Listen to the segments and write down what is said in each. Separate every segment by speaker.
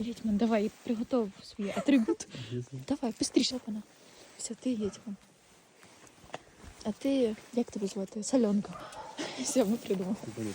Speaker 1: Гетьман, давай, приготов свій атрибут. Давай, быстріше вона. Все, ти Гетьман. А ти, як тебе звати? Сальонка. Все, ми придумали.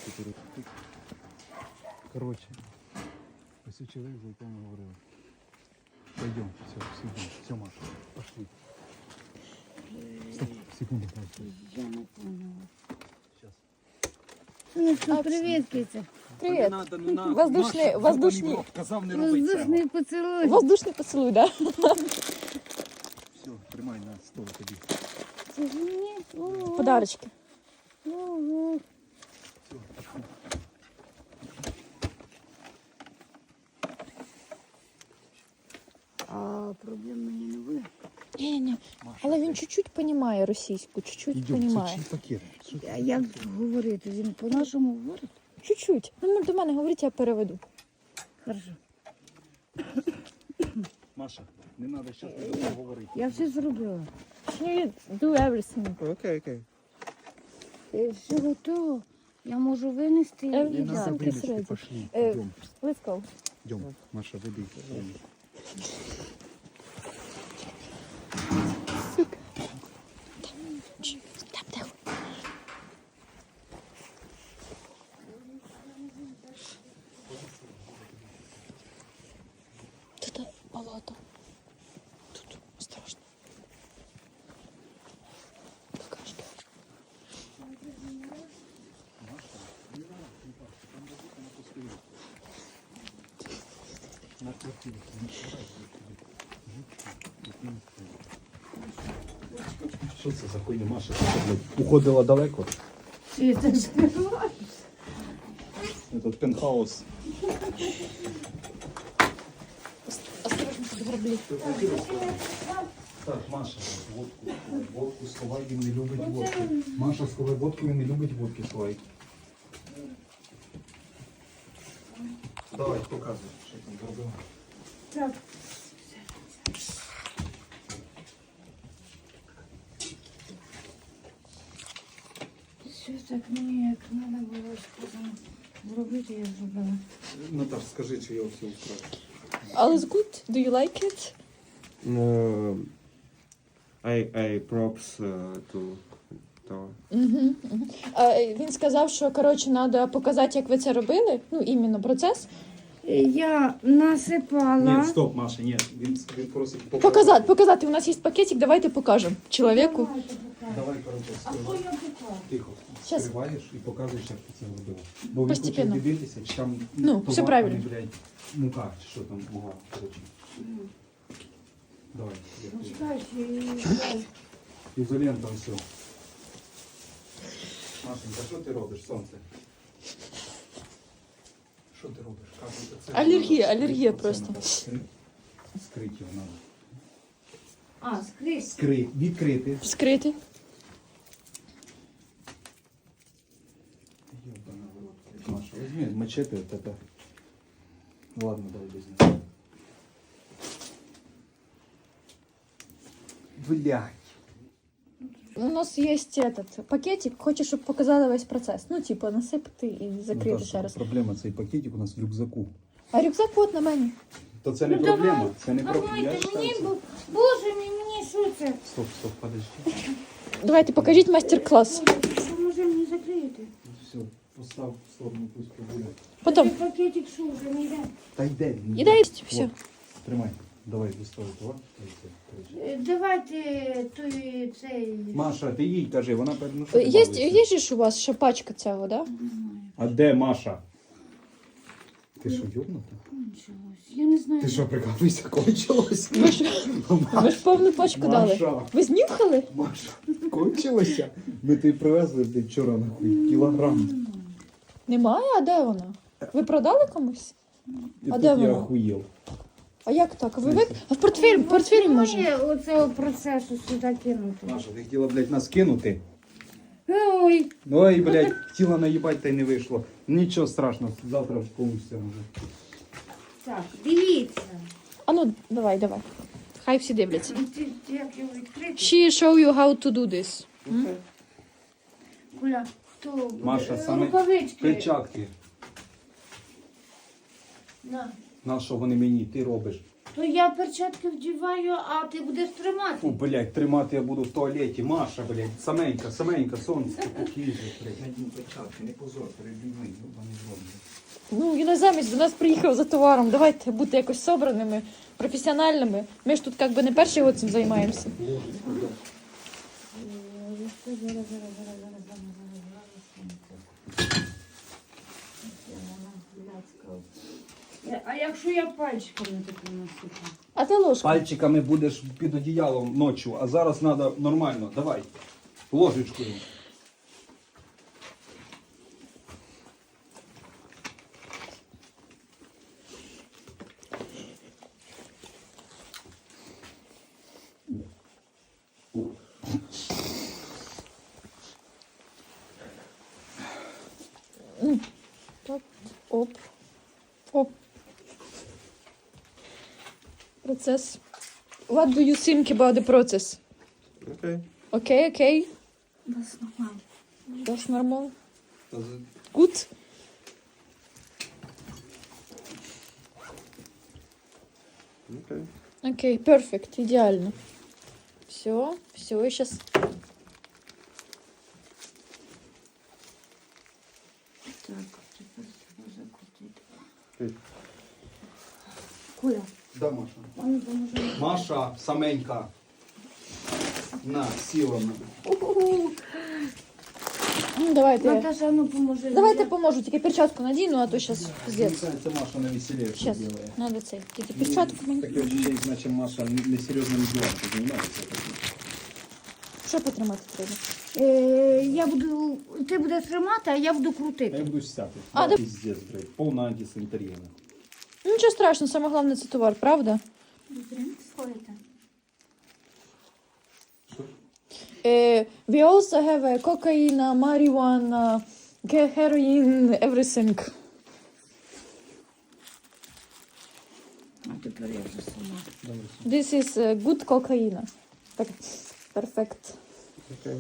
Speaker 2: Короче, ось чоловік, за яким ми говорили. Пойдем, все, Маша, пошли. Стоп, секунду,
Speaker 3: Я не поняла.
Speaker 2: сейчас.
Speaker 3: Ну що, привіт, Киця.
Speaker 1: Привіт.
Speaker 2: Надо, ну на.
Speaker 1: Воздушний,
Speaker 2: Маша,
Speaker 1: воздушний,
Speaker 2: зубаний в рот, казав, не робить цього.
Speaker 3: Воздушний поцілуй.
Speaker 1: воздушний поцілуй, да?
Speaker 2: Все, тримай на стол тобі.
Speaker 3: Це ж мені? Ого,
Speaker 1: Подарочки.
Speaker 3: ого.
Speaker 2: Все, пошли.
Speaker 3: А проблем мені не буде?
Speaker 1: Ні.
Speaker 2: Маша,
Speaker 1: Але він чуть-чуть понімає російську, чуть-чуть
Speaker 2: Ідем,
Speaker 1: понімає.
Speaker 2: це чий пакет? Що ти?
Speaker 3: А як говорити? Він по-нашому говорить?
Speaker 1: Чуть-чуть. Ну, до мене говорить, я переведу.
Speaker 3: Хорошо.
Speaker 2: Маша, не треба зараз говорити.
Speaker 3: Я все зробила.
Speaker 1: You do everything.
Speaker 2: Окей.
Speaker 3: Все готово. Я можу винести
Speaker 1: Не
Speaker 3: і
Speaker 1: надо
Speaker 3: дати.
Speaker 1: винести.
Speaker 2: вилізти,
Speaker 1: среди.
Speaker 2: пошли.
Speaker 1: Е,
Speaker 2: Йдем,
Speaker 1: Let's go.
Speaker 2: йдем. Маша, веди.
Speaker 1: Там тихо. Тут болото. Тут осторожно. Какашки.
Speaker 2: На квартиру. Що це за хуйня, Маша? Ти що, блядь, уходила далеко?
Speaker 3: Ти так скриваєш?
Speaker 2: Этот пентхаус.
Speaker 1: Осторожно, тут граблі.
Speaker 2: Так, Маша, водку сховай, він не любить водку. Маша, сховай водку, він не любить водки, сховай. Давай, показуй, що там зробила.
Speaker 3: Так. Все так мені як треба було сказано зробити, я зробила.
Speaker 2: Наташ, скажи, чи я все вкрав.
Speaker 1: All is good? Do you like it?
Speaker 4: I props to
Speaker 1: Він сказав, що, коротше, треба показати, як ви це робили. Ну, іменно процес.
Speaker 3: Я насипала.
Speaker 2: Ні, стоп, Маша, ні, він просить
Speaker 1: Показати. У нас є пакетик, давайте покажемо чоловіку.
Speaker 3: Давайте покажу.
Speaker 2: Давай, коротше,
Speaker 3: А що я покажу?
Speaker 2: тихо.
Speaker 1: Щас.
Speaker 2: Скриваєш і показуєш, як ти це робила. Бо він хоче
Speaker 1: Постепенно.
Speaker 2: дивитися, чи там
Speaker 1: Ну,
Speaker 2: товар,
Speaker 1: все правильно.
Speaker 2: а не, блядь, мука, чи що там, муга, коротше. Давай.
Speaker 3: Ну, чекай, ще
Speaker 2: Ізолента все. Машенька, що ти робиш, сонце? Що ти робиш? Кажуть, це
Speaker 1: Алергія
Speaker 2: Оце
Speaker 1: просто.
Speaker 2: надо скрити його треба.
Speaker 3: А, скрізь.
Speaker 2: Відкрити.
Speaker 1: Вскрити.
Speaker 2: Ёбана в рот. Маша, возьми мачете вот это. Ладно, дай без него. Блядь.
Speaker 1: У нас є этот пакетик, хочу, щоб показали весь процес. Ну, типу, насипати і закрити
Speaker 2: Наташа,
Speaker 1: ще раз.
Speaker 2: Проблема, цей пакетик у нас в рюкзаку.
Speaker 1: А рюкзак от на мені.
Speaker 2: То це не
Speaker 3: Ну,
Speaker 2: проблема.
Speaker 3: давай.
Speaker 2: Це не проблема. Я
Speaker 3: Давайте
Speaker 2: считаю,
Speaker 3: мені,
Speaker 2: це...
Speaker 3: боже мій, мені що це?
Speaker 2: Стоп, подожди.
Speaker 1: Давайте, покажіть майстер-клас.
Speaker 3: Може мені закрити?
Speaker 2: Все, постав в сторону, пусть побуде.
Speaker 1: Потім.
Speaker 3: Цей пакетик що вже не йде?
Speaker 2: Та йде. він
Speaker 1: Іде,
Speaker 2: йде.
Speaker 1: все.
Speaker 2: Вот, Тримай. Давай, доставай товар.
Speaker 3: Давайте той цей.
Speaker 2: Маша, ти їй кажи, вона ну, що ти
Speaker 1: Є
Speaker 2: балуєшся?
Speaker 1: же ж у вас ще пачка цього, да?
Speaker 2: А де Маша? Ти що, йобнута?
Speaker 3: Кончилось. Я не знаю.
Speaker 2: Ти що, прикалуєшся, кончилось?
Speaker 1: Ви ж повну пачку дали.
Speaker 2: Маша,
Speaker 1: Ви знюхали?
Speaker 2: Маша, кончилося? Ми тобі привезли вчора, нахуй, кілограм.
Speaker 1: Немає? А де вона? Ви продали комусь?
Speaker 2: І
Speaker 1: А
Speaker 2: тут
Speaker 1: де
Speaker 2: я
Speaker 1: вона?
Speaker 2: охуєв.
Speaker 1: А як так? А в портфель може?
Speaker 3: Немає оцього процесу сюди кинути.
Speaker 2: Маша, ти хотіла, блядь, нас кинути?
Speaker 3: Ой,
Speaker 2: Ой, блядь, хотіла наїбать, та й не вийшло. Нічого страшного, завтра получиться вже.
Speaker 3: так, дивіться.
Speaker 1: А ну, давай. Хай всі дивляться.
Speaker 3: Як його відкрити?
Speaker 1: She show you how to do this.
Speaker 3: Куля, хто буде?
Speaker 2: Маша, саме
Speaker 3: Рукавички.
Speaker 2: перчатки.
Speaker 3: На.
Speaker 2: На що вони мені? Ти робиш?
Speaker 3: То я перчатки вдіваю, а ти будеш тримати.
Speaker 2: Фу, блядь, тримати я буду в туалеті. Маша, блядь, саменька, сонце, покіже, блядь. Надій перчатки, не позор перед людьми, вони зроблять.
Speaker 1: Ну, іноземець до нас приїхав за товаром. Давайте бути якось собраними, професіональними. Ми ж тут як би не перший год цим займаємося.
Speaker 3: А якщо я пальчиками таку насипаю?
Speaker 1: А ти ложку.
Speaker 2: Пальчиками будеш під одіялом ночі, а зараз треба нормально. Давай, ложечкою.
Speaker 1: Так. Оп. Оп. Процес. What do you think about the process?
Speaker 4: Okay.
Speaker 1: Okay.
Speaker 3: Das нормально.
Speaker 1: That's normal. Good.
Speaker 4: Okay.
Speaker 1: Окей, перфект, идеально. Все, и сейчас.
Speaker 3: Так, тепер треба закрутити.
Speaker 4: Окей.
Speaker 3: Коля,
Speaker 2: Да, Маша.
Speaker 3: вони поможуть.
Speaker 2: Маша, саменька. На, сіла на.
Speaker 1: Ну, давайте.
Speaker 3: Наташа, ну поможи.
Speaker 1: Давайте поможу, тільки перчатку надіну, а то зараз
Speaker 2: Мені
Speaker 1: пиздец.
Speaker 2: кажется, Маша на веселее все
Speaker 1: Сейчас,
Speaker 2: делает.
Speaker 1: надо цей. Тільки перчатку мені.
Speaker 2: Таке ощущение, значит, Маша несерьезными делами занимается.
Speaker 1: Що потримати треба?
Speaker 3: Я буду, ти будеш тримати, а я буду
Speaker 2: А я
Speaker 3: крутити.
Speaker 2: буду стяпать.
Speaker 1: А, да.
Speaker 2: Пиздец, блядь. Полная антисанитария.
Speaker 1: Ну, нічого страшного, саме головне це товар, правда? We also have cocaine, marijuana, heroin, everything.
Speaker 3: А тепер я вже сама.
Speaker 1: This is good cocaine. Так, perfect.
Speaker 4: Okay.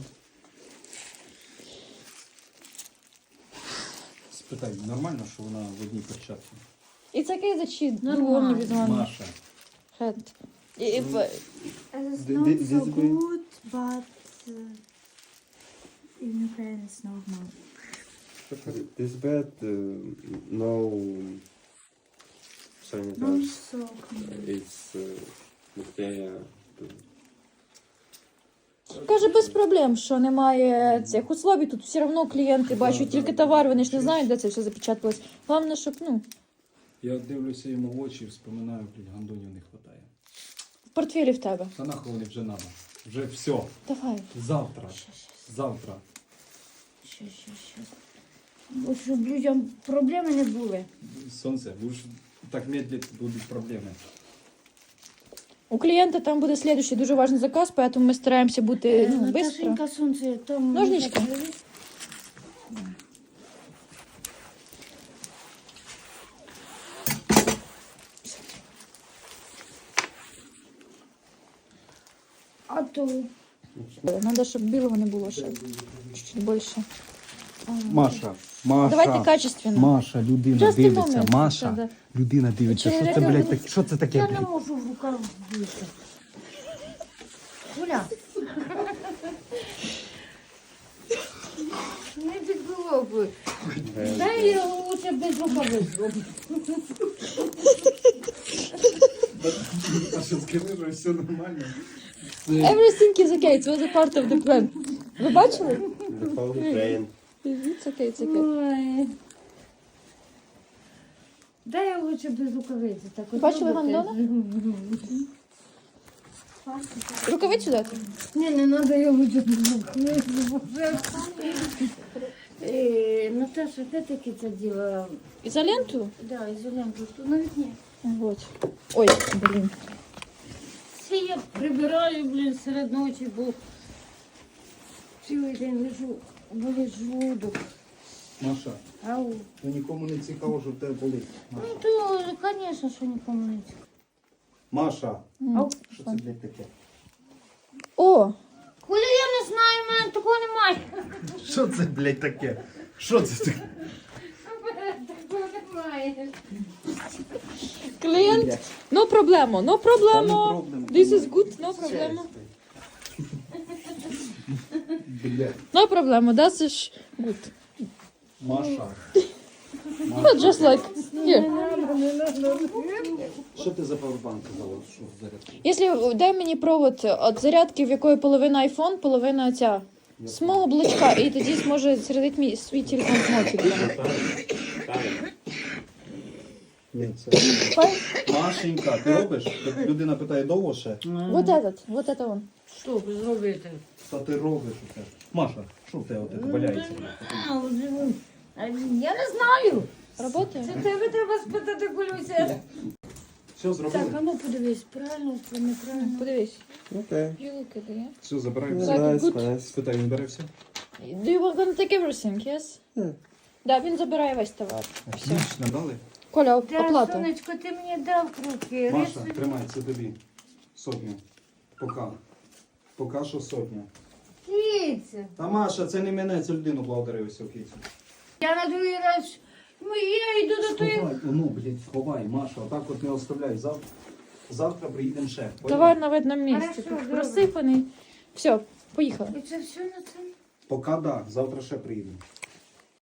Speaker 2: Спитай, нормально, що вона в одній перчатці?
Speaker 1: It's okay that she
Speaker 3: Нормально.
Speaker 1: only with one
Speaker 2: Маша.
Speaker 1: hand. If,
Speaker 5: It's
Speaker 4: Th-
Speaker 5: not
Speaker 4: thi-
Speaker 5: so
Speaker 4: this way?
Speaker 5: good, but in Ukraine it's normal.
Speaker 4: This bed, no
Speaker 5: Not
Speaker 4: sanitars.
Speaker 5: so clean.
Speaker 4: It's bacteria.
Speaker 1: каже, без проблем, що немає цих условій. Тут все одно клієнти бачать тільки товар, вони ж не знають, де це все запечаталось. Головне, щоб, ну,
Speaker 2: Я дивлюся йому в очі і вспоминаю, блядь, гандонів не вистачає.
Speaker 1: в портфелі в тебе.
Speaker 2: Та нахуй вони вже надо. Вже все.
Speaker 1: Давай.
Speaker 2: Завтра. Завтра.
Speaker 3: Щас. Бо щоб людям проблеми не були.
Speaker 2: Сонце, будеш так медлить, будуть проблеми.
Speaker 1: У клієнта там буде слідуючий дуже важний заказ, тому ми стараємося бути ну, швидко.
Speaker 3: Наташенька, сонце, там...
Speaker 1: Ножнички.
Speaker 3: А то...
Speaker 1: Треба, щоб білого не було ще. Чуть більше.
Speaker 2: Маша.
Speaker 1: Давайте качественно.
Speaker 2: Маша, людина
Speaker 1: Just a
Speaker 2: дивиться.
Speaker 1: moment.
Speaker 2: Маша,
Speaker 1: Да.
Speaker 2: людина дивиться. Що це, блядь, таке? Що це таке,
Speaker 3: Я не
Speaker 2: блядь?
Speaker 3: можу в руках бути. Коля. Не підбило би. Дай я лучше без рукавиць зроблю.
Speaker 2: А що скажи, що все нормально?
Speaker 1: Everything is okay, it was a part of the plan. Ви бачили?
Speaker 4: The whole train.
Speaker 1: It's okay, it's okay.
Speaker 3: Ой. Дай я лучше без рукавиці. Так от
Speaker 1: Бачили
Speaker 3: робите.
Speaker 1: гандона? Рукавицю дати?
Speaker 3: Ні, не треба я лучше без рукавиці. Наташа, де таки це діло?
Speaker 1: Ізоленту?
Speaker 3: Да, ізоленту. Тут на вікні.
Speaker 1: Вот. Ой, блін.
Speaker 3: Це я прибираю, блін, серед ночі, бо цілий день лежу, болить желудок.
Speaker 2: Маша,
Speaker 3: Ау.
Speaker 2: то нікому не цікаво, що в тебе болить.
Speaker 3: Ну
Speaker 2: Маша.
Speaker 3: то, звісно, що нікому не цікаво.
Speaker 2: Маша,
Speaker 3: Ау.
Speaker 2: що це, блядь, таке?
Speaker 1: О,
Speaker 3: Коля, я не знаю, в мене такого немає.
Speaker 2: Що це, блядь, таке? Що це таке?
Speaker 3: Такого немає.
Speaker 1: Клієнт, no проблемо, no проблемо. This is good, no проблемо.
Speaker 2: Бля.
Speaker 1: No проблемо, das is good.
Speaker 2: Маша.
Speaker 1: But just like here.
Speaker 2: Що ти за павербанк казала? Що зарядку?
Speaker 1: Якщо дай мені провод від зарядки, в якої половина iPhone, половина ця. З мого блочка, і тоді зможе зарядити мій свій телефон з мого телефону.
Speaker 2: Ні, це.
Speaker 1: Файн?
Speaker 2: Машенька, ти робиш? Так людина питає довго ще?
Speaker 1: Вот это он.
Speaker 3: Що зробити?
Speaker 2: Та ти робиш усе. Маша, що в тебе от це валяється?
Speaker 3: Я не знаю.
Speaker 1: Работає?
Speaker 3: Це тебе треба спитати, Колюся.
Speaker 2: Все зробили?
Speaker 3: Так, а ну подивись, правильно це неправильно.
Speaker 1: Подивись.
Speaker 4: Окей.
Speaker 1: You look at it, yeah?
Speaker 2: Все, забираємо.
Speaker 1: Так,
Speaker 4: Nice,
Speaker 1: good.
Speaker 4: nice.
Speaker 2: Спитай, він бере все?
Speaker 1: Do you want to take everything, yes?
Speaker 4: Yeah.
Speaker 1: Да, він забирає весь товар. Все.
Speaker 2: Отлично, дали?
Speaker 1: Коля,
Speaker 3: Та,
Speaker 1: оплата.
Speaker 3: сонечко, ти мені дав руки.
Speaker 2: Маша, тримай, це тобі. Сотню. Пока. Пока що сотня.
Speaker 3: Кіця.
Speaker 2: Та Маша, це не мене, це людину благодарив все, кицю.
Speaker 3: Я на другий раз. Я йду до тої.
Speaker 2: Сховай, ну, блядь, сховай, Маша, отак от не оставляй. Завтра приїдемо ще.
Speaker 1: Товар на видному місці.
Speaker 3: Хорошо,
Speaker 1: Тут
Speaker 3: добре.
Speaker 1: розсипаний. Все, поїхали.
Speaker 3: І це все на це?
Speaker 2: Пока да, завтра ще приїдемо.